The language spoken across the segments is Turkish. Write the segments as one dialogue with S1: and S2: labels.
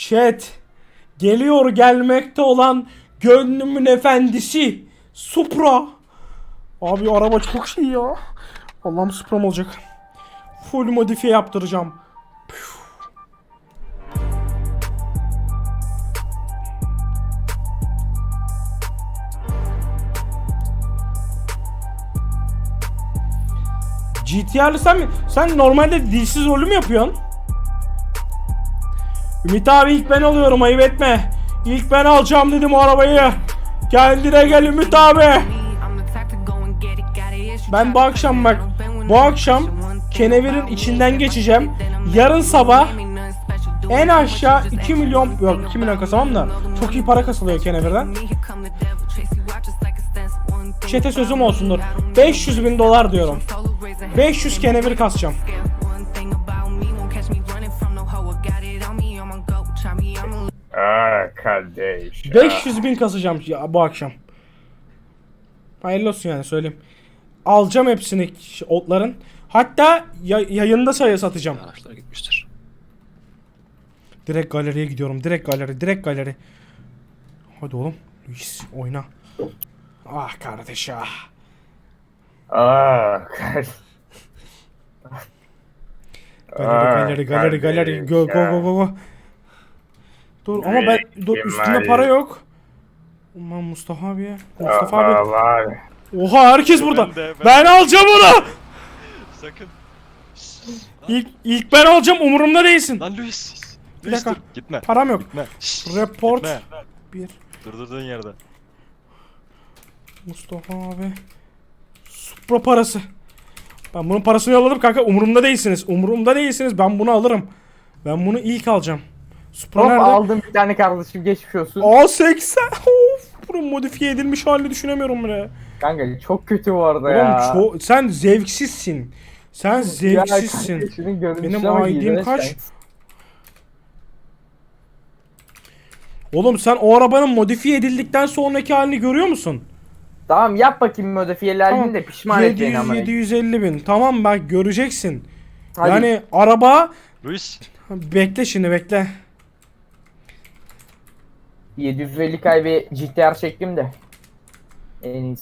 S1: Chat. Geliyor gelmekte olan gönlümün efendisi. Supra. Abi araba çok şey ya. Allah'ım Supra'm olacak. Full modifiye yaptıracağım. GTR'lı sen normalde dilsiz rolü mü yapıyorsun? Ümit abi ilk ben alıyorum, ayıp etme. İlk ben alacağım dedim o arabayı. Kendine gel Ümit abi. Ben bu akşam bak, bu akşam kenevirin içinden geçeceğim. Yarın sabah en aşağı 2 milyon, yok 2 milyon kasamam da çok iyi para kasılıyor kenevirden. Çete sözüm olsundur. 500.000 dolar diyorum. 500 kenevir kasacağım.
S2: Kardeş.
S1: 500.000 kasacağım ya bu akşam. Hayırlı olsun yani söyleyeyim. Alacağım hepsini otların. Hatta yayında satacağım.
S3: Araçlar gitmiştir.
S1: Direkt galeriye gidiyorum. Direkt galeri. Hadi oğlum. Luis oyna. Ah kardeş ah.
S2: Kardeş.
S1: Galeri. Go. Dur ama ben üstünde para yok. Aman Mustafa abi. Mustafa abi.
S2: Var.
S1: Oha herkes burada.
S3: Ben
S1: Ben alacağım onu.
S3: Sakın.
S1: İlk ben alacağım, umurumda değilsin.
S3: Lan Luis.
S1: Bir
S3: Luis
S1: dakika.
S3: dur. Gitme.
S1: Param yok.
S3: Gitme.
S1: Report.
S3: Gitme.
S1: Bir.
S3: Durdurduğun yerde.
S1: Mustafa abi. Supra parası. Ben bunun parasını yolladım kanka, umurumda değilsiniz. Ben bunu alırım. Ben bunu ilk alacağım. Supra
S2: Hop
S1: nerede?
S2: aldım bir tane kardeşim, geçmiş olsun.
S1: A80. Of. Bunun modifiye edilmiş halini düşünemiyorum bile.
S2: Kanka çok kötü bu arada ya.
S1: Oğlum sen zevksizsin. Sen zevksizsin.
S2: Ya, şunun görünüşüne
S1: Benim
S2: bak,
S1: ID'm
S2: iğrenç
S1: kaç?
S2: kanka.
S1: Oğlum sen o arabanın modifiye edildikten sonraki halini görüyor musun?
S2: Tamam yap bakayım modifiyelerini de pişman et beni ama.
S1: 750 bin. Tamam bak göreceksin.
S2: Hadi.
S1: Yani araba...
S3: Luis.
S1: Bekle şimdi bekle.
S2: 750 bir GTR çektim de. En iyisi.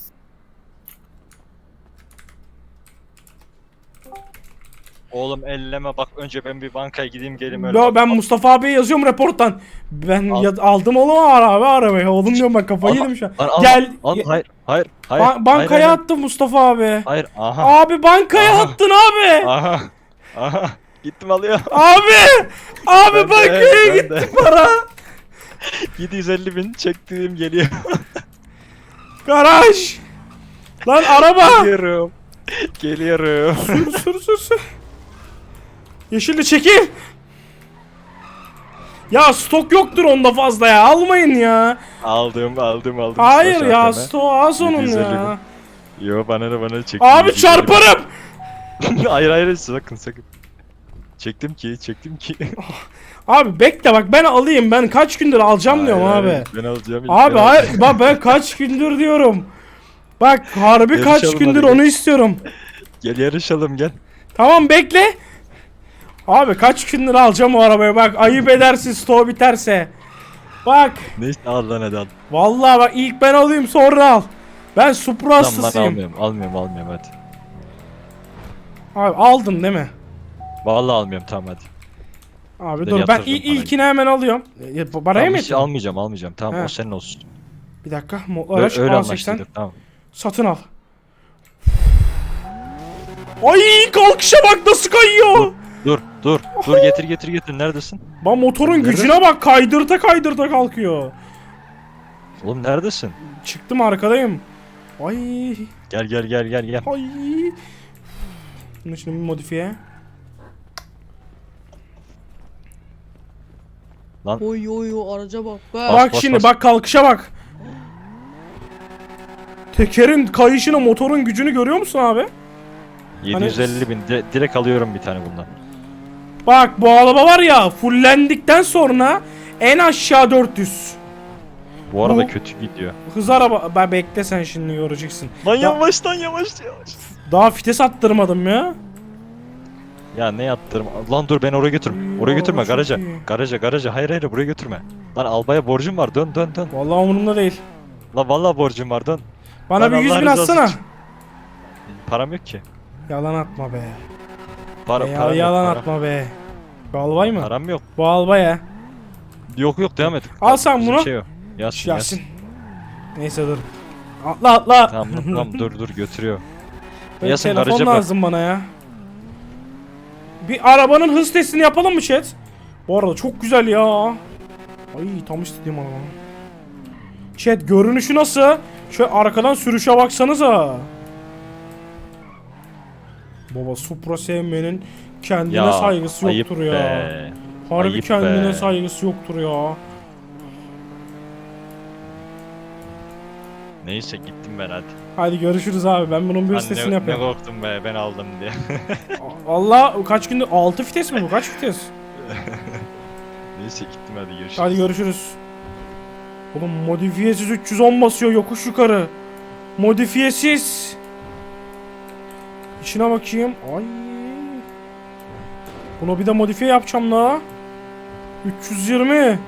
S3: Oğlum elleme bak, önce ben bir bankaya gideyim geleyim öyle.
S1: Ya ben Mustafa abiye yazıyorum raporttan. Ben
S3: Al.
S1: aldım oğlum arabayı. Oğlum diyorum ben kafayı yedim şu an. Gel.
S3: Hayır.
S1: Bankaya attım Mustafa abi.
S3: Hayır. Aha.
S1: Abi bankaya
S3: Aha.
S1: attın abi.
S3: Aha. Gittim alıyor.
S1: Abi
S3: Ben de,
S1: bankaya
S3: ben
S1: gitti
S3: de.
S1: para.
S3: 750 bin çektiğim geliyor.
S1: Garaj. Lan araba.
S3: Geliyorum.
S1: Sür. Yeşilli çekil. Ya stok yoktur onda fazla ya. Almayın ya.
S3: Aldım.
S1: Hayır ya,
S3: Zaten
S1: stok az onun
S3: 750
S1: ya.
S3: Yo bana çektim.
S1: Abi çarparım.
S3: hayır sakın. Çektim ki.
S1: Abi bekle bak, ben alayım, ben kaç gündür alacağım diyorum abi.
S3: Ben alacağım.
S1: Abi hayır bak, ben kaç gündür diyorum. Bak harbi
S3: Yarışalım
S1: kaç gündür
S3: hadi,
S1: onu istiyorum.
S3: Gel yarışalım gel.
S1: Tamam bekle. Abi kaç gündür alacağım o arabayı, bak ayıp edersin stoğu biterse. Bak.
S3: Neyse al lan hadi al.
S1: Vallahi bak ilk ben alayım sonra al. Ben Supra
S3: Tamam lan
S1: hastasıyım.
S3: almıyorum hadi.
S1: Abi aldın değil mi?
S3: Vallahi almıyorum tamam hadi.
S1: Abi
S3: Ben
S1: dur ben
S3: yatırırım parayı.
S1: ilkini hemen alıyorum. Parayı mı
S3: Tamam,
S1: yatırdın?
S3: almayacağım tamam
S1: He.
S3: o senin olsun.
S1: Bir dakika araç
S3: Öyle
S1: A80
S3: anlaştık tamam.
S1: satın al. Ay kalkışa bak nasıl kayıyor.
S3: Dur getir neredesin?
S1: Bak motorun
S3: Nerede?
S1: gücüne bak, kaydırta kalkıyor.
S3: Oğlum neredesin?
S1: Çıktım arkadayım. Ay
S3: Gel.
S1: ay. Bunu şimdi bir modifiye.
S3: Lan
S4: Oy araca bak be.
S1: Bak
S3: bas,
S1: şimdi
S3: bas.
S1: bak kalkışa bak. Tekerin kayışını, motorun gücünü görüyor musun abi?
S3: 750 bin direkt alıyorum bir tane bundan.
S1: Bak bu araba var ya, fullendikten sonra en aşağı 400.
S3: Bu arada
S1: Bu-
S3: kötü gidiyor.
S1: Hız araba. Ben bekle sen şimdi göreceksin.
S3: Lan
S1: Da-
S3: yavaş.
S1: Daha vites attırmadım ya.
S3: Ya ne yaptırım? Lan dur beni oraya götürme. Oraya götürme
S1: araba çok
S3: garaja.
S1: iyi.
S3: Garaja. Hayır buraya götürme. Lan albaya borcum var. Dön.
S1: Vallahi umurumda değil.
S3: Lan vallahi borcum var dön.
S1: Bana
S3: Lan
S1: bir 100
S3: Allah
S1: bin
S3: rızası
S1: atsana.
S3: için. Param yok ki.
S1: Yalan atma be.
S3: Param
S1: Yalan
S3: yok.
S1: atma be. Bu albay mı?
S3: Param yok.
S1: Bu albay ya.
S3: Yok devam et.
S1: Al sen
S3: Bizim
S1: bunu.
S3: Şey yok. Yasin.
S1: Yasin. Neyse dur. Atla.
S3: Tamam dur götürüyor.
S1: Benim
S3: Yasin
S1: telefon
S3: garaja bırak.
S1: lazım bana ya. Bir arabanın hız testini yapalım mı chat? Bu arada çok güzel ya. Ay tam istediğim araba. Chat görünüşü nasıl? Şöyle arkadan sürüşe baksanıza. Baba Supra sevmenin kendine
S3: Ya,
S1: saygısı
S3: ayıp
S1: yoktur ya.
S3: be.
S1: Harbi
S3: Ayıp
S1: kendine
S3: be.
S1: saygısı yoktur ya.
S3: Neyse gittim ben hadi.
S1: Hadi görüşürüz abi. Ben bunun bir
S3: Lan
S1: sitesini
S3: ne
S1: yapıyorum.
S3: korktum be ben aldım diye.
S1: Allah kaç gündür 6 vites mi bu? Kaç vites?
S3: Neyse gittim hadi görüşürüz.
S1: Hadi görüşürüz. Oğlum modifiyesiz 310 basıyor yokuş yukarı. Modifiyesiz. İçine bakayım. Ay. Buna bir de modifiye yapacağım la. 320.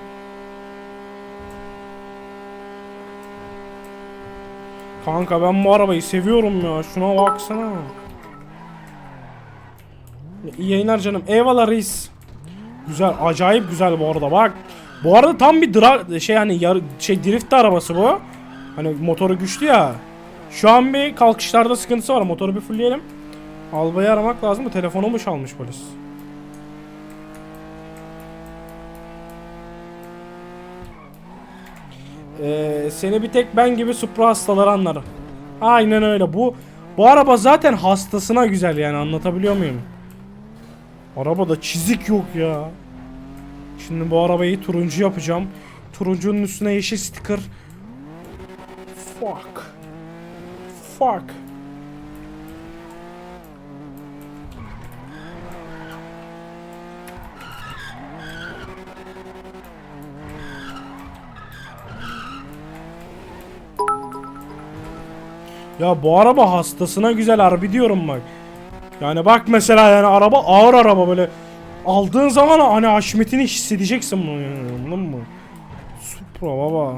S1: Kanka ben bu arabayı seviyorum ya. Şuna baksana. İyi yayınlar canım. Eyvallah reis. Güzel, acayip güzel bu arada bak. Bu arada tam bir drift arabası bu. Hani motoru güçlü ya. Şu an bir kalkışlarda sıkıntısı var. Motoru bir fullleyelim. Albayı aramak lazım mı? Telefonumu çalmış polis. Seni bir tek ben gibi Supra hastaları anlarım. Aynen öyle. Bu araba zaten hastasına güzel yani, anlatabiliyor muyum? Arabada çizik yok ya. Şimdi bu arabayı turuncu yapacağım. Turuncunun üstüne yeşil sticker. Fuck. Ya bu araba hastasına güzel harbi diyorum bak. Yani bak mesela yani araba ağır araba böyle. Aldığın zaman hani haşmetini hissedeceksin bunu yani, anladın mı? Supra baba.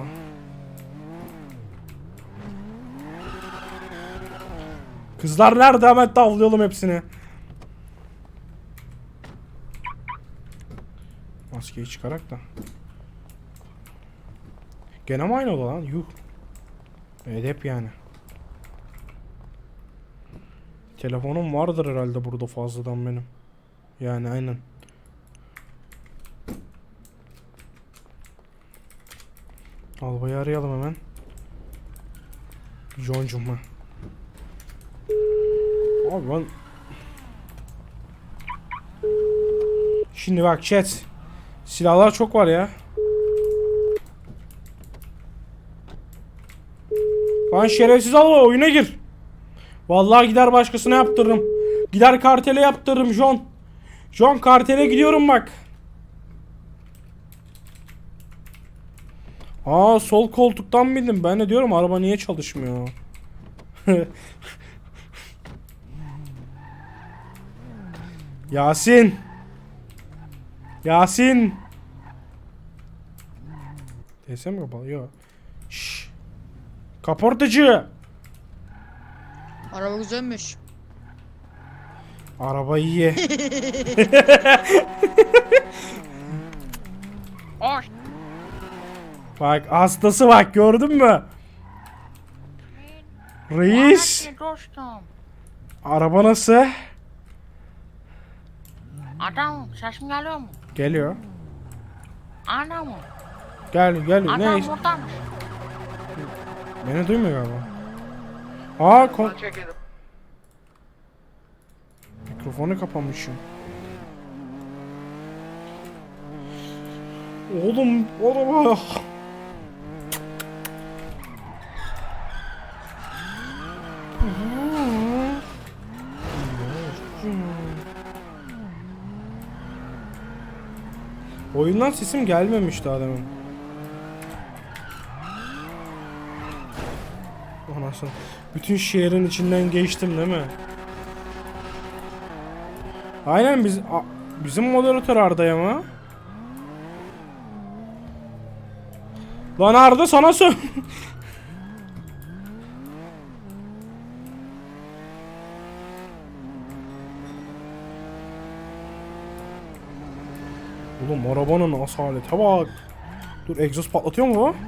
S1: Kızlar nerede, hemen tavlayalım hepsini. Maskeyi çıkarak da. Gene mi aynı oda lan? Yuh. Edep yani. Telefonum vardır herhalde burada fazladan benim. Yani aynen. Albayı arayalım hemen. John'cum ha. Abi ben... Şimdi bak chat. Silahlar çok var ya. Lan şerefsiz albay oyuna gir. Vallahi gider başkasına yaptırırım. Gider kartele yaptırırım John. John kartele gidiyorum bak. Aa sol koltuktan bindim. Ben de diyorum araba niye çalışmıyor? Yasin. TS mi kapalı? Yok. Şşş. Kaportacı.
S4: Araba güzelmiş.
S1: Araba iyi.
S4: Ay.
S1: Bak hastası bak, gördün mü? Reis.
S4: Dostum.
S1: Araba nasıl?
S4: Adam sesim geliyor mu?
S1: Geliyor.
S4: Ana mı?
S1: Gel. Ne
S4: Adam
S1: iş?
S4: buradanmış.
S1: Beni duymuyor galiba. Aa mikrofonu kapamışım. Oğlum araba. Oyundan sesim gelmemiş daha demin. Anasını. Bütün şehrin içinden geçtim değil mi? Aynen bizim moderatör Arda'ya mı? Lan Arda sana sor. Oğlum arabanın asalete bak. Dur, egzoz patlatıyor mu bu?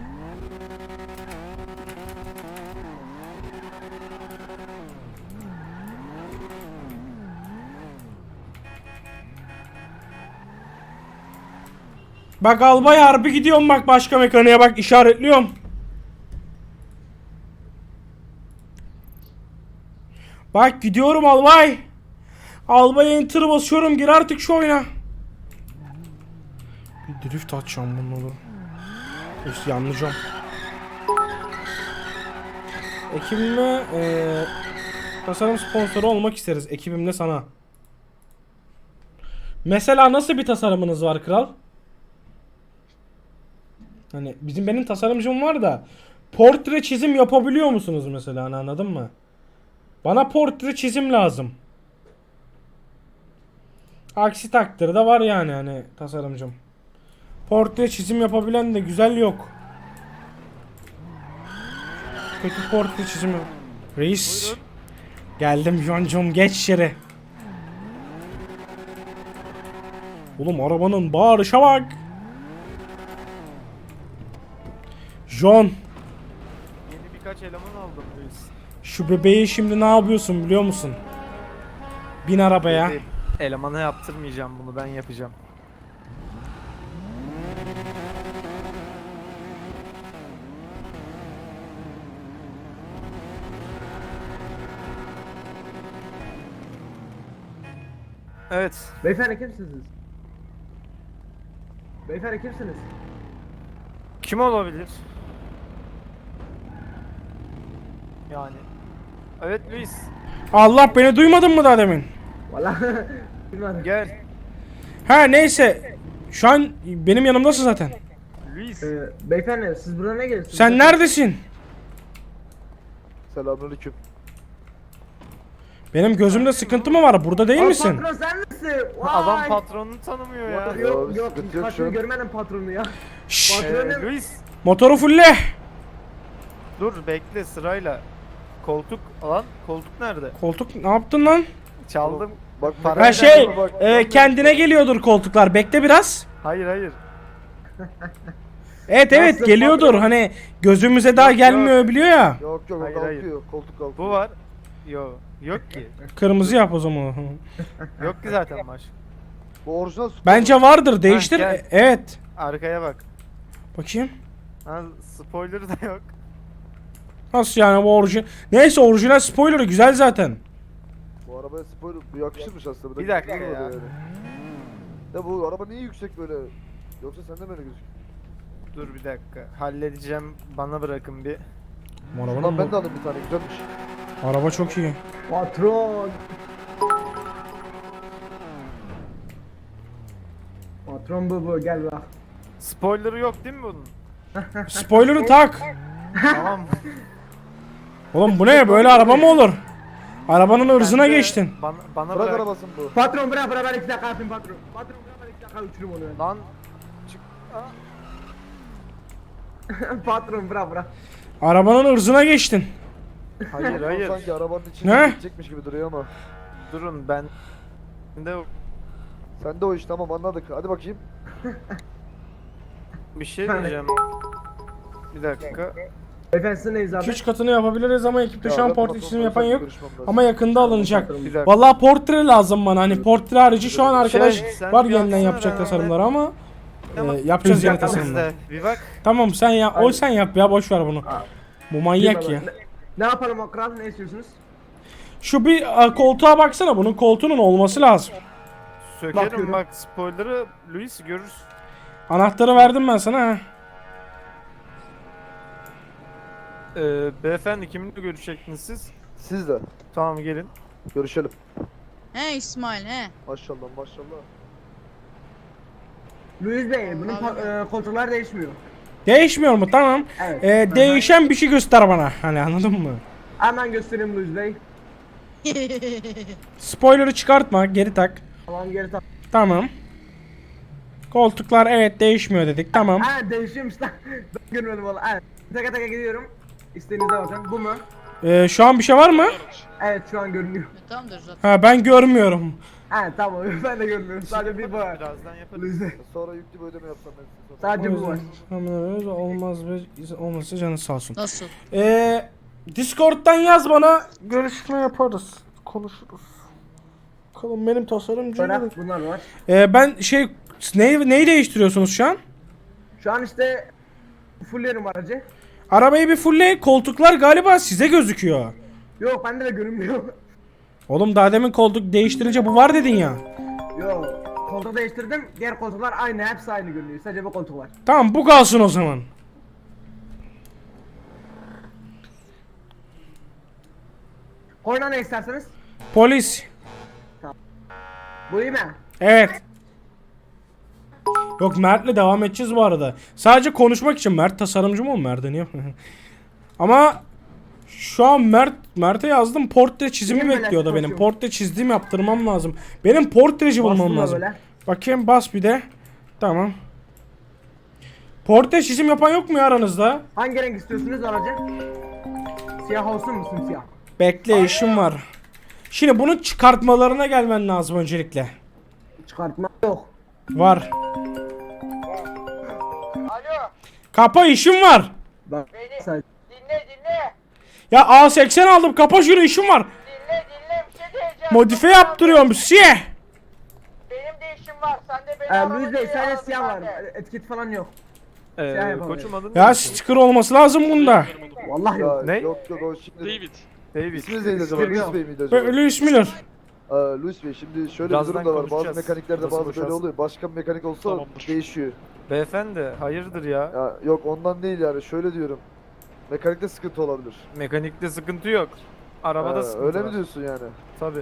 S1: Bak albay harbi gidiyorum, bak başka mekaniğe bak, işaretliyorum. Bak gidiyorum albay. Albay enter basıyorum, gir artık şu oyuna. Bir drift atacağım bunları. İşte yanlayacağım. Ekibimle tasarım sponsoru olmak isteriz. Ekibimle sana. Mesela nasıl bir tasarımınız var kral? Hani benim tasarımcım var da portre çizim yapabiliyor musunuz mesela, hani anladın mı? Bana portre çizim lazım. Aksi takdirde var yani hani tasarımcım. Portre çizim yapabilen de güzel yok. Kötü portre çizim yok. Reis.
S5: Buyurun.
S1: Geldim Joncum, geç içeri. Oğlum arabanın bağırışa bak. John,
S5: Yeni birkaç eleman aldım Luis.
S1: şu bebeği şimdi ne yapıyorsun biliyor musun? Bin arabaya.
S5: Bebeğim, elemana yaptırmayacağım, bunu ben yapacağım. Evet.
S6: Beyefendi kimsiniz? Beyefendi kimsiniz?
S5: Kim olabilir? Yani. Evet Luis.
S1: Allah, beni duymadın mı daha demin?
S6: Valla bilmiyorum.
S5: Gel.
S1: Ha neyse. Şu an benim yanımdasın zaten.
S5: Luis.
S6: Beyefendi siz buraya ne geliyorsunuz?
S1: Sen neredesin?
S7: Selamünaleyküm.
S1: Benim gözümde sıkıntı mı var? Burada değil
S6: Aa,
S1: misin?
S6: Patron sen misin? Vay.
S5: Adam patronunu tanımıyor ya.
S6: Yok
S7: Ya,
S6: yok
S7: sıkıntı yok şu
S6: patronu
S7: an.
S6: görmedim patronu ya.
S1: Şşş,
S6: Patronum.
S5: Luis.
S1: motoru fulle.
S5: Dur bekle sırayla. Koltuk alan. Koltuk nerede?
S1: Koltuk ne yaptın lan?
S5: Çaldım.
S7: Bak
S5: Para-
S1: Ha şey,
S7: bak,
S1: kendine geliyordur koltuklar. Bekle biraz.
S5: Hayır hayır.
S1: Evet evet,
S6: Nasıl
S1: geliyordur.
S6: patron?
S1: Hani gözümüze daha
S5: Yok,
S1: gelmiyor biliyor ya.
S7: Yok yok
S5: Hayır,
S7: o
S5: hayır.
S7: kalkıyor. Koltuk kalkıyor.
S5: Bu var. Yok ki.
S1: Kırmızı yap o zaman.
S5: Yok ki zaten baş.
S7: Bu orijinal Supra.
S1: Bence vardır. Değiştir.
S5: gel.
S1: Evet.
S5: Arkaya bak.
S1: Bakayım.
S5: Ha, spoiler da yok.
S1: Nasıl yani bu orijinal? Neyse, orijinal spoiler'ı güzel zaten.
S7: Bu arabaya spoiler bu yakışırmış aslında.
S5: Bir dakika
S7: güzel
S5: ya.
S7: oldu yani. Ya bu araba niye yüksek böyle? Yoksa sende mi öyle gözüküyor?
S5: Dur bir dakika. Halledeceğim. Bana bırakın bir.
S1: Bu
S7: Lan
S1: arabanın
S7: ben de alayım bir tane güzelmiş.
S1: araba çok iyi.
S6: Patron. Patron bu gel bak.
S5: Spoiler'ı yok değil mi bunun?
S1: Spoiler'ı tak.
S5: Tamam.
S1: Oğlum bu ne? Böyle araba mı olur? Arabanın ırzına
S5: Sen de
S1: geçtin.
S5: Bana
S7: Bırak
S5: bırak.
S7: arabasın bu.
S6: Patron bırak ben 2 dakika yapayım patron. Patron bırak ben 2 dakika uçurum onu ben.
S5: Lan çık.
S6: Patron bırak.
S1: Arabanın ırzına geçtin.
S5: Hayır
S7: Patron
S5: hayır.
S7: Sanki arabanın içine
S1: Ne?
S7: gidecekmiş gibi duruyor ama.
S5: Durun ben. De
S7: Sen de o iş tamam anladık. Hadi bakayım.
S5: bir şey diyeceğim. Bir dakika.
S6: Beyefendi siz neyiz abi?
S1: 2-3 katını yapabiliriz ama ekipte şu
S7: Ya
S1: an
S7: ben
S1: portre
S7: patronla
S1: çizimi yapan
S7: özel
S1: yok.
S7: görüşmem lazım.
S1: Ama yakında alınacak.
S6: Patron.
S5: Bir dakika.
S1: Vallahi portre lazım bana. Hani portre harici şu an arkadaş
S5: sen
S1: var
S5: bir
S1: yeniden
S5: yapsana,
S1: yapacak
S5: ben
S1: tasarımları ama
S5: Tamam.
S1: yapacağız yeni
S6: Biz yapalım
S1: tasarımları.
S5: Bizde. Bir bak.
S1: Tamam sen ya, o sen yap ya, boş ver bunu. Bu manyak ya.
S6: Ne yapalım o kral ne istiyorsunuz?
S1: Şu bir koltuğa baksana, bunun koltuğunun olması lazım.
S5: Sökerim
S6: Bakıyorum.
S5: bak spoiler'ı Luis görürsün.
S1: Anahtarı verdim ben sana ha.
S5: Beyefendi kiminle görüşecektiniz siz?
S7: Siz de.
S5: Tamam gelin.
S7: Görüşelim.
S8: He İsmail he.
S7: Maşallah maşallah.
S6: Luis Bey bunun koltuklar değişmiyor.
S1: Değişmiyor mu? Tamam.
S6: Evet.
S1: Değişen bir şey göster bana. Hani anladın mı?
S6: Hemen göstereyim Luis Bey.
S1: Spoiler'ı çıkartma, geri tak.
S6: Tamam geri tak.
S1: Tamam. Koltuklar evet değişmiyor dedik. Tamam.
S6: Ha değişiyormuş lan. Ben görmedim valla. Evet. Taka taka gidiyorum. İstediğinize bakın. Bu mu?
S1: Şu an bir şey var mı?
S6: Evet şu an görünüyor.
S8: Tamamdır zaten.
S1: Ha ben görmüyorum.
S6: Ha tamam ben de görmüyorum. Sadece bir bu var.
S5: Birazdan yaparız.
S6: Luiz'e.
S7: Sonra yüklü bir ödeme yapsam ben size sonra.
S6: Sadece bu var.
S1: Olmaz ve olmazsa canı sağ olsun.
S8: Nasıl?
S1: Discord'dan yaz bana. Görüşme yaparız. Konuşuruz. Bakalım benim tasarımcım.
S6: Bırak bunlar var.
S1: Ben neyi değiştiriyorsunuz şu an?
S6: Şu an işte fullerim aracı.
S1: Arabayı bir fulle, koltuklar galiba size gözüküyor.
S6: Yok bende de görünmüyor.
S1: Oğlum daha demin koltuk değiştirince bu var dedin ya.
S6: Yok. Koltuğu değiştirdim. Diğer koltuklar aynı. Hepsi aynı görünüyor. Sadece bu koltuk var.
S1: Tamam bu kalsın o zaman.
S6: Koyuna ne isterseniz?
S1: Polis.
S6: Bu iyi mi?
S1: Evet. Yok Mert'le devam edeceğiz bu arada. Sadece konuşmak için. Mert tasarımcı mı o? Mert'e niye? Ama şu an Mert'e yazdım. Portre çizimi
S6: Niye böyle
S1: bekliyor da benim.
S6: konuşuyorsun?
S1: Portre çizdiğim yaptırmam lazım. Benim portreci bulmam
S6: Bastım da
S1: lazım.
S6: böyle.
S1: Bakayım bas bir de. Tamam. Portre çizim yapan yok mu ya aranızda?
S6: Hangi renk istiyorsunuz aracı? Siyah olsun mu simsiyah?
S1: Bekle işim var. Şimdi bunun çıkartmalarına gelmen lazım öncelikle.
S6: Çıkartma yok.
S1: Var. Kapa işim var.
S6: Bak. Sadece.
S1: Ya A80 aldım kapa şunu işim var.
S9: Dinle bir şey diyeceğim.
S1: Modifiye yaptırıyorum siyah.
S9: Benim de işim var. Sen de beni
S6: Luis Bey
S9: aramadın,
S6: sadece
S9: aradın
S6: siyah var.
S9: bende.
S6: Etiket falan yok. Siyah yapalım.
S5: Koçum adın
S1: Ya sticker olması lazım bunda.
S6: Vallahi
S7: Ya,
S6: yok.
S5: Ne?
S7: Yok o şimdi.
S3: David.
S5: David.
S7: İsminiz neydi acaba?
S6: Sticker
S7: Luis
S6: yok.
S7: Bey miydi acaba?
S1: Louis Miller.
S7: Luis Bey şimdi şöyle
S5: Birazdan
S7: bir durum da var. Bazı
S5: konuşacağız.
S7: mekaniklerde
S5: Nasıl
S7: bazı böyle
S5: boşarsın?
S7: oluyor. Başka bir mekanik olsa
S3: Tamamdır.
S7: değişiyor.
S5: Beyefendi hayırdır ya?
S7: Ya yok ondan değil yani şöyle diyorum. Mekanikte sıkıntı olabilir.
S5: Mekanikte sıkıntı yok. Arabada
S7: Ha,
S5: sıkıntı
S7: öyle
S5: var.
S7: mi diyorsun yani?
S5: Tabii.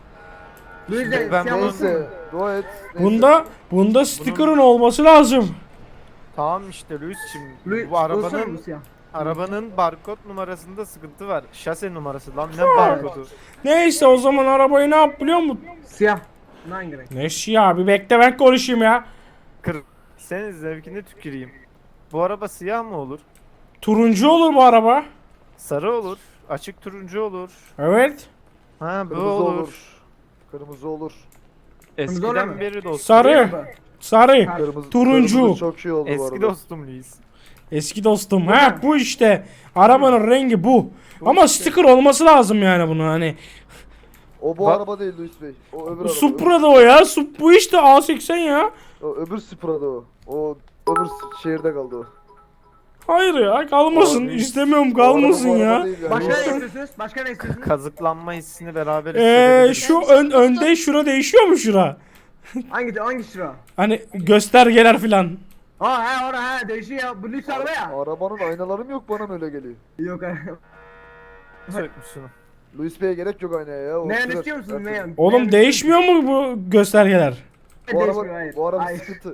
S6: Luis Bey
S5: Ben
S6: siyah olsun mu?
S7: Neyse dua et. Neyse.
S1: Bunda sticker'ın olması lazım.
S5: Tamam işte Luis'cim.
S6: Luis
S5: Bu
S6: olsun mu
S5: arabanın
S6: siyah?
S5: barkod numarasında sıkıntı var. Şase numarası lan ne barkodu?
S1: Neyse o zaman arabayı ne yap biliyor musun?
S6: Siyah. Hangi renk?
S1: Neyse ya bir bekle ben konuşayım ya.
S5: Kır. Senin zevkine tüküreyim. Bu araba siyah mı olur?
S1: Turuncu olur bu araba.
S5: Sarı olur. Açık turuncu olur.
S1: Evet.
S5: Ha bu
S7: Kırmızı
S5: olur.
S7: olur. Kırmızı olur.
S6: Kırmızı olur
S5: Eskiden
S6: mu?
S5: beri dostum.
S1: Sarı. Sarı.
S7: Kırmızı,
S1: Turuncu.
S7: kırmızı çok iyi oldu bu
S5: Eski
S7: arada.
S5: dostum Luis.
S1: Eski dostum. Ha bu işte. Arabanın rengi bu. Ama sticker olması lazım yani bunun hani.
S7: O bu
S5: Bak-
S7: araba değil Luis Bey. O öbür araba.
S1: Supra'da o ya. Bu işte A80 ya.
S7: O öbür Supra'da o. O öbür şehirde kaldı o.
S1: Hayır ya kalmasın.
S5: Abi,
S1: İstemiyorum
S7: O araba
S1: kalmasın
S7: bu araba
S1: ya.
S7: değil yani.
S6: Başka ne
S7: O-
S6: istiyorsunuz? Başka ne istiyorsunuz?
S5: Kazıklanma hissini beraber hissedebiliriz.
S1: Şu önde şura değişiyor mu şura?
S6: Hangi sıra?
S1: Hani göstergeler filan.
S6: Ha orada ha değişiyor ya. Bu lüks araba ya.
S7: Arabanın aynaları mı yok bana mı öyle geliyor?
S6: Yok ha.
S5: Sökmüşsün.
S7: Luis Bey'e gerek yok aynaya ya. O
S6: Neyan
S7: sürer.
S6: istiyor musunuz
S7: Her türlü.
S6: neyan?
S1: Oğlum değişmiyor mu bu göstergeler?
S7: Bu
S6: Değişmiyor
S7: araba,
S6: hayır.
S7: bu araba
S6: Hayır.
S7: sıkıntı.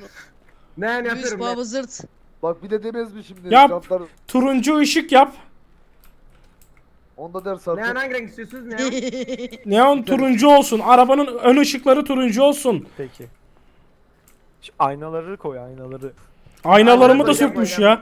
S6: Neyan
S8: Luis
S6: yapıyorum.
S8: baba zırt.
S7: Bak bir de demez mi şimdi?
S1: Yap.
S7: Jantlar,
S1: Turuncu ışık yap.
S7: onda ders
S6: Neyan
S7: artık.
S6: hangi renk istiyorsunuz neyan?
S1: Neon turuncu olsun. Arabanın ön ışıkları turuncu olsun.
S5: Peki. Şu aynaları koy aynaları.
S1: Aynalarımı da
S6: Aynen,
S1: sökmüş
S6: aynen.
S1: ya.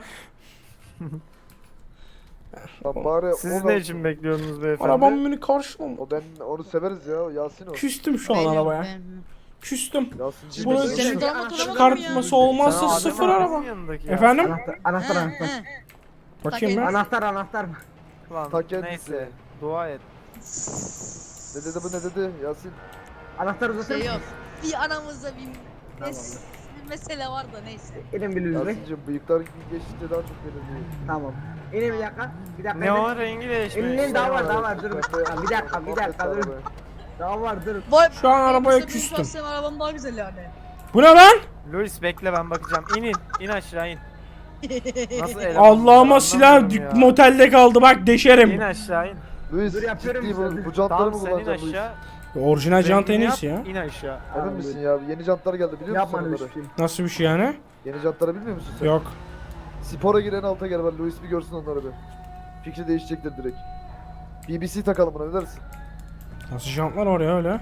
S7: Lan bari
S5: Siz
S7: o
S5: ne
S7: da-
S5: için bekliyorsunuz beyefendi?
S1: Arabam beni karşılamıyor.
S7: O ben onu severiz ya o Yasin o.
S1: Küstüm şu an arabaya. Küstüm.
S7: Yasin
S1: Bunu
S7: cidden-
S8: Senin damat olamadın mı
S1: çıkartması
S8: ya?
S1: olmazsa
S5: Sen
S1: sıfır
S5: Adem
S1: araba.
S5: abinin yanındaki ya.
S1: Efendim?
S6: Anahtar.
S8: He, he.
S1: Bakayım ben.
S6: Anahtar.
S5: Lan,
S7: Ta kendisi.
S5: neyse dua et.
S7: Ne dedi bu ne dedi Yasin?
S6: Anahtar uzatır
S8: Şey yok.
S6: mısın?
S8: Bir aramızda bir mesele var da neyse.
S6: İnin bir Luis Bey.
S7: Yasin'cim bıyıklar geçtikçe daha çok gelir.
S6: Tamam. İnin bir dakika. Bir dakika.
S5: Ne o rengi değişmiş.
S6: İnin daha var dur. Ha, bir dakika dur. Daha var dur.
S8: Vay,
S1: Şu an arabaya
S8: benim
S1: küstüm.
S8: şahsen arabam daha güzel yani.
S1: Bu ne lan?
S5: Luis bekle ben bakacağım. İn aşağı in. Nasıl eleman
S1: Allah'ıma
S5: anlamıyorum
S1: silah
S5: ya.
S1: motelde kaldı bak
S5: İn
S1: deşerim.
S5: aşağı in.
S7: Luis
S6: Dur, yapıyorum
S7: ciddi
S6: işte.
S7: bu jantları
S5: Tamam
S7: mı
S5: sen in
S7: kullanacaksın Luis?
S5: aşağı.
S1: Orijinal jant en
S5: Rengini
S1: iyisi ya.
S5: yap, İn aşağı.
S7: Emin misin ya? Yeni jantlar geldi biliyor musun
S6: Yapma
S7: onları?
S6: Luis Bey.
S1: Nasıl bir şey yani?
S7: Yeni jantları bilmiyor musun sen?
S1: Yok.
S7: Spora giren alta gel var. Luis bir görsün onları bir. Fikri değişecektir direkt. BBC takalım buna ne dersin?
S1: Nasıl jantlar var ya öyle?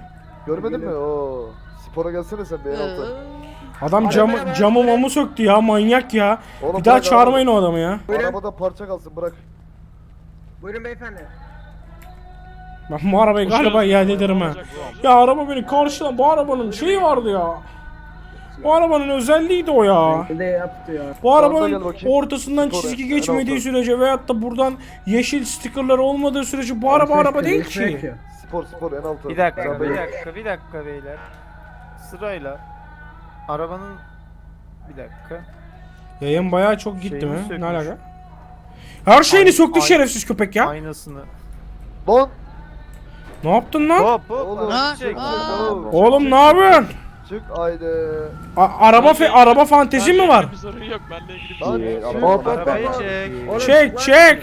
S7: Görmedin mi? Oo. Spora gelsene sen bir en alta.
S1: Adam camı mamı söktü ya, manyak ya.
S7: Oğlum
S1: Bir daha
S7: bırak
S1: çağırmayın o adamı ya.
S6: Buyurun.
S7: Arabada parça kalsın bırak.
S6: Buyurun beyefendi.
S1: Ben bu arabayı galiba iade ederim ha. Ya araba beni karşılan, bu arabanın şeyi vardı ya. Bu arabanın özelliğiydi o ya.
S6: Ne yaptı ya?
S1: Bu
S7: Sağdan
S1: arabanın
S7: gel bakayım.
S1: ortasından
S7: Spora,
S1: çizgi
S7: en
S1: geçmediği
S7: alta.
S1: sürece veyahut da buradan yeşil stickerlar olmadığı sürece bu araba değil ki.
S7: Spor en alta.
S5: Bir dakika,
S7: Sen
S5: bir
S7: beni-
S5: dakika beyler. Sırayla arabanın bir dakika.
S1: Yayın bayağı çok gitti
S5: Şeyini
S1: mi?
S5: sökmüş.
S1: Ne alaka? Her şeyini söktü
S5: ay-
S1: şerefsiz köpek ya.
S5: Aynasını.
S7: Lan!
S1: Ne yaptın lan?
S5: Hop hop.
S7: Oğlum,
S5: araba çek.
S1: Oğlum ne yapıyorsun?
S7: Çık haydi.
S1: Araba fantezi mi var?
S3: Bir sorun yok benimle ilgili
S7: Lan çık.
S6: Hop, hop,
S5: Arabayı
S6: hop.
S5: çek.
S6: Oğlum,
S1: Çek
S6: lan-
S1: çek.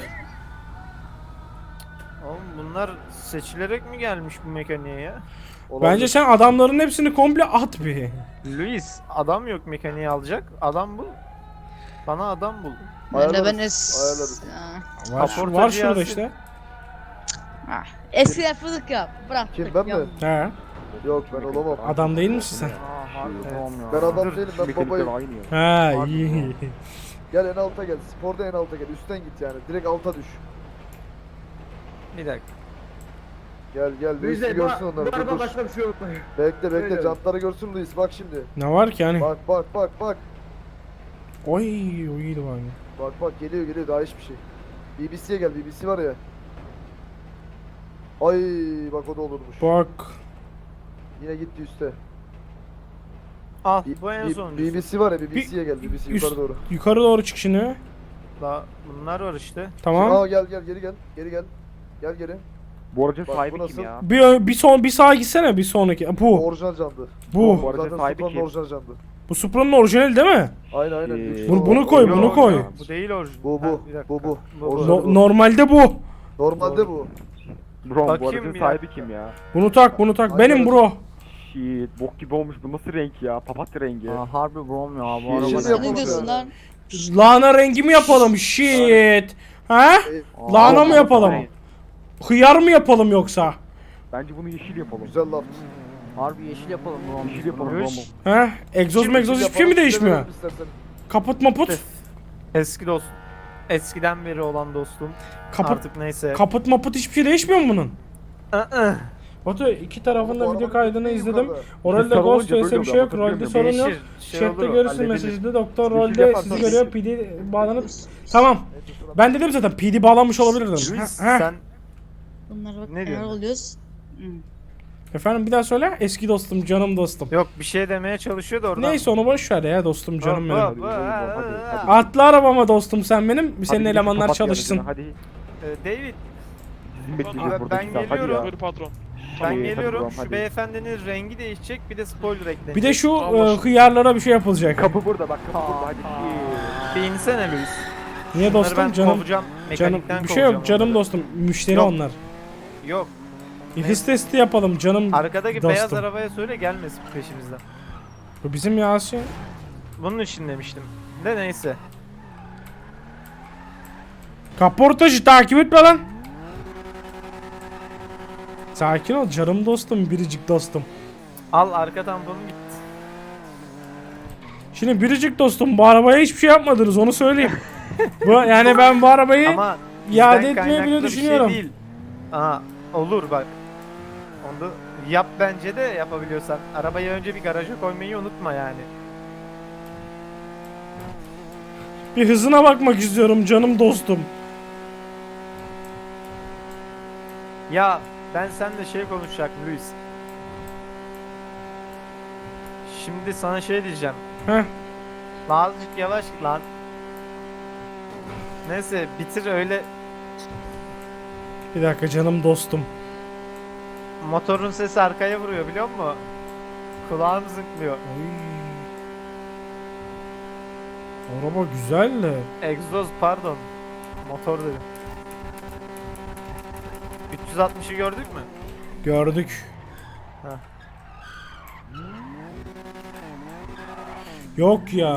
S5: Oğlum bunlar seçilerek mi gelmiş bu mekaniğe ya?
S1: Bence sen adamların hepsini komple at bir.
S5: Luis adam yok mekaniği alacak. Adam bul. Bana adam bul.
S7: Ayarlarız,
S8: Ben
S7: ayarlarız.
S1: Var şurada
S5: Yasin.
S1: işte.
S8: Eski yapıyorduk ya. Bırak.
S7: Kim ben mi?
S1: He.
S7: Yok ben olamam.
S1: Adam değil misin sen?
S7: Ben adam değilim ben babayım.
S1: Ha iyi.
S7: Gel en alta gel. Sporda en alta gel. Üstten git yani. Direkt alta düş.
S5: Bir dakika.
S7: Gel gel. Luis
S6: Luis Bey,
S7: görsün onları.
S6: bu
S7: Dur,
S6: araba
S7: dur.
S6: başka bir şey unutmayın.
S7: Bekle bekle.
S6: Öyle.
S7: Jantları görsün Luis. Bak şimdi.
S1: Ne var ki hani?
S7: Bak.
S1: Oy o iyiydi bak.
S7: Bak geliyor daha hiçbir şey. BBC'ye gel. BBC var ya. Ay bak o da olurmuş.
S1: Bak.
S7: Yine gitti üste.
S5: Al bu en sonuncusu.
S7: BBC var ya BBC'ye gel. BBC
S1: üst-
S7: yukarı doğru.
S1: Yukarı doğru çık şimdi.
S5: Daha bunlar var işte.
S1: Tamam.
S7: Aa gel geri gel. Gel geri.
S10: Bu aracın
S7: Bak,
S10: sahibi
S7: bu
S10: kim
S7: nasıl?
S1: Bir sağa gitsene bir sonraki. Bu.
S7: Orijinal candı.
S1: Bu.
S10: aracın
S7: Zaten
S10: sahibi
S7: Supra'nın
S10: kim?
S7: orijinal candı.
S1: Bu Supra'nın orijinali değil mi?
S7: Aynen.
S10: Ee,
S1: Bunu koy,
S5: Yok,
S1: bunu koy.
S5: Bu değil orijinal.
S7: Bu.
S5: Ha, bir dakika.
S7: Bu.
S5: Bu.
S7: Orijinal.
S1: Normalde bu.
S7: Normalde bu.
S10: Bro bu
S5: Bakayım
S10: aracın
S5: bir
S10: sahibi
S5: dakika.
S10: kim ya?
S1: Bunu tak. Benim
S7: Aynen.
S1: bro.
S10: Shit bok gibi olmuş bu nasıl renk ya? Papatya rengi.
S2: Harbi brom ya bu
S7: Yeşil
S2: araba.
S7: yapalım
S8: Ne diyorsun
S7: ya.
S8: lan?
S1: Lahana rengi mi yapalım? Shit. Ha? Lahana mı yapalım? Hıyar mı yapalım yoksa?
S10: Bence bunu yeşil yapalım.
S7: Güzel laf.
S2: Harbi yeşil yapalım brom.
S10: Yeşil yapalım
S5: Luis.
S10: bro.
S1: Ha? Egzoz megzoz hiçbir şey mi değişmiyor?
S7: Yapalım istersen.
S1: Kaput maput.
S5: Eski dost. Eskiden beri olan dostum.
S1: Kaput,
S5: Artık neyse.
S1: kaput maput hiçbir şey değişmiyor mu bunun?
S5: Aa,
S1: Batu iki tarafında
S7: Bu
S1: video
S7: arabanın
S1: kaydını
S7: değil
S1: izledim.
S7: yukarıda.
S1: Oralde
S10: Sarı
S1: ghost
S10: olunca
S1: vs
S10: böyle
S1: bir şey yok.
S10: oluyor,
S1: Rolde sorun yok.
S5: değişir. Şey
S1: Chatte
S5: olur,
S1: görürsün
S5: halledilir.
S1: mesajda doktor
S10: Yeşil
S1: rolde
S10: yaparsan
S1: sizi
S10: yeşil.
S1: görüyor PD bağlanıp. Tamam. Ben dedim zaten PD bağlanmış olabilir dedim.
S5: Luis,
S1: Ha, ha.
S5: sen
S8: Bunlar bak
S5: Ne
S8: neler
S5: diyorsun?
S8: oluyoruz.
S1: Efendim bir daha söyle. Eski dostum, canım dostum.
S5: yok bir şey demeye çalışıyor da oradan.
S1: Neyse onu boş ver ya dostum, canım benim.
S5: Hop, hop,
S10: hadi.
S1: Atla arabama dostum sen benim.
S10: Hadi
S1: Senin
S10: gidip
S1: elemanlar
S10: papatya
S1: çalışsın.
S10: aracına, Hadi
S5: David
S10: bizim bekleyeceğiz burada.
S5: ben
S10: iki saat, hadi
S5: geliyorum.
S10: ya.
S3: Buyur patron.
S5: ben
S10: Hadi,
S5: geliyorum.
S10: hadi
S5: Şu
S10: bro, hadi.
S5: beyefendinin rengi değişecek bir de spoiler eklenecek.
S1: Bir de şu hıyarlara bir şey yapılacak.
S10: Kapı burada bak kapı burada hadi. Shit.
S5: Bir insene Luis.
S1: Niye
S5: Bunları
S1: dostum
S5: ben
S1: canım?
S5: kovacağım.
S1: Canım
S5: Mekanikten
S1: bir şey yok
S5: kovacağım
S1: canım
S5: onları.
S1: dostum. Müşteri
S5: Yok.
S1: onlar.
S5: Yok.
S1: His testi yapalım canım
S5: Arkadaki
S1: dostum.
S5: beyaz arabaya söyle gelmesin peşimizden.
S1: Bu bizim Yasin.
S5: Bunun için demiştim. De neyse.
S1: Kaportacı takip etme lan. Sakin ol canım dostum, biricik dostum.
S5: Al arka tamponu git.
S1: Şimdi biricik dostum bu arabaya hiçbir şey yapmadınız onu söyleyeyim. Yani ben bu arabayı
S5: Ama
S1: iade
S5: bizden
S1: etmeyi
S5: kaynaklı
S1: bile
S5: bir
S1: düşünüyorum.
S5: Şey değil. Aa, olur bak. Onu da yap bence de yapabiliyorsan. Arabayı önce bir garaja koymayı unutma yani.
S1: Bir hızına bakmak istiyorum canım dostum.
S5: Ya ben seninle şey konuşacaktım Luis. Şimdi sana şey diyeceğim.
S1: Heh.
S5: Lan azıcık yavaş git lan. Neyse bitir öyle.
S1: Bir dakika canım dostum.
S5: Motorun sesi arkaya vuruyor biliyor musun? Kulağım zınklıyor.
S1: Araba güzel de.
S5: Egzoz pardon. Motor dedim. 360'ı gördük mü?
S1: Gördük.
S5: Heh.
S1: Yok ya.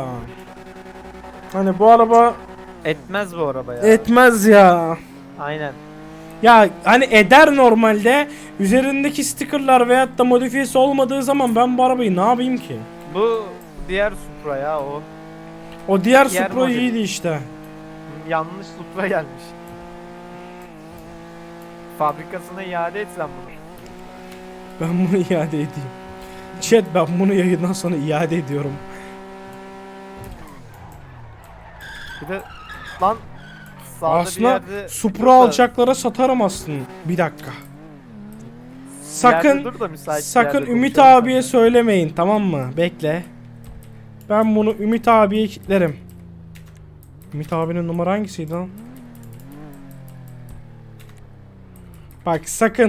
S1: Hani bu araba
S5: Etmez bu araba ya.
S1: etmez ya.
S5: Aynen.
S1: Ya hani eder normalde. Üzerindeki stickerlar veyahut da modifiyesi olmadığı zaman ben bu arabayı ne yapayım ki?
S5: Bu diğer Supra ya o.
S1: O diğer
S5: Diğer
S1: Supra
S5: model.
S1: iyiydi işte.
S5: Yanlış Supra gelmiş. Fabrikasına iade et sen bunu.
S1: Ben bunu iade edeyim. Chat, ben bunu yayından sonra iade ediyorum.
S5: Bir de lan sağda bir
S1: Aslında
S5: yerde
S1: Supra
S5: dur da-
S1: alacaklara satarım aslında. Bir dakika.
S5: bir yerde
S1: Sakın
S5: dur da müsait bir
S1: sakın
S5: yerde
S1: Ümit
S5: konuşalım
S1: abiye
S5: seninle.
S1: söylemeyin, tamam mı? Bekle. Ben bunu Ümit abiye kilitlerim. Ümit abinin numara hangisiydi lan? Bak sakın.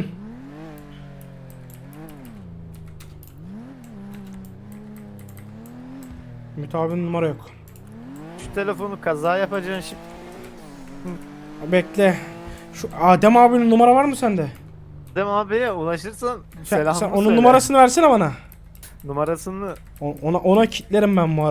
S1: Ümit abinin numara yok.
S5: Şu telefonu kaza yapacaksın şimdi.
S1: Bekle. Şu Adem abinin numara var mı sende?
S5: Dem abiye ulaşırsan
S1: Sen
S5: selamımı
S1: onun
S5: söyle.
S1: numarasını versene bana.
S5: Numarasını
S1: Ona kilitlerim ben bu